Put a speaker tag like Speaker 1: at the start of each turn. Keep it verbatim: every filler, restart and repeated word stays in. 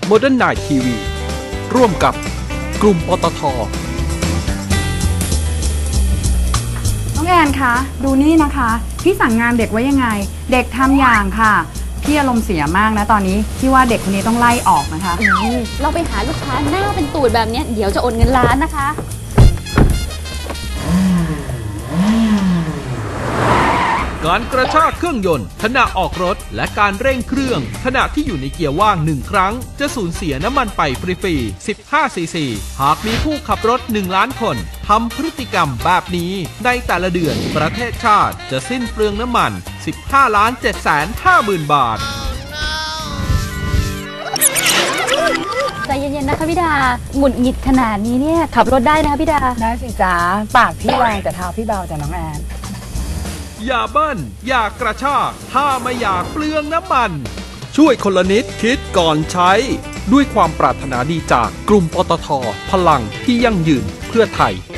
Speaker 1: Modern Night ที วี ร่วมกับกลุ่มปตท.
Speaker 2: น้องแอนคะดูนี่นะคะพี่สั่งงานเด็กไว้ยังไงเด็กทำอย่างค่ะพี่อารมณ์เสียมากนะตอนนี้พี่ว่าเด็กคนนี้ต้องไล่ออกนะคะ
Speaker 3: เราไปหาลูกค้าหน้าเป็นตูดแบบนี้เดี๋ยวจะโอนเงินล้านนะคะ
Speaker 1: การกระชากเครื่องยนต์ขณะออกรถและการเร่งเครื่องขณะที่อยู่ในเกียร์ว่างหนึ่งครั้งจะสูญเสียน้ำมันไปฟรีๆสิบห้าซีซีหากมีผู้ขับรถหนึ่งล้านคนทำพฤติกรรมแบบนี้ในแต่ละเดือนประเทศชาติจะสิ้นเปลืองน้ำมันสิบห้าล้านเจ็ดแสนห้าหมื่นบาท
Speaker 3: ใจเย็นๆนะคะพี่ดาหงุดหงิดขนาดนี้เนี่ยขับรถได้นะคะพี่ดา
Speaker 2: ได้สิจ๊ะปากพี่แรงแต่เท้าพี่เบาจ้ะน้องแอน
Speaker 1: อย่าเบิ้ลอย่ากระชากถ้าไม่อยากเปลืองน้ำมันช่วยคนละนิดคิดก่อนใช้ด้วยความปรารถนาดีจากกลุ่มปตท.พลังที่ยั่งยืนเพื่อไทย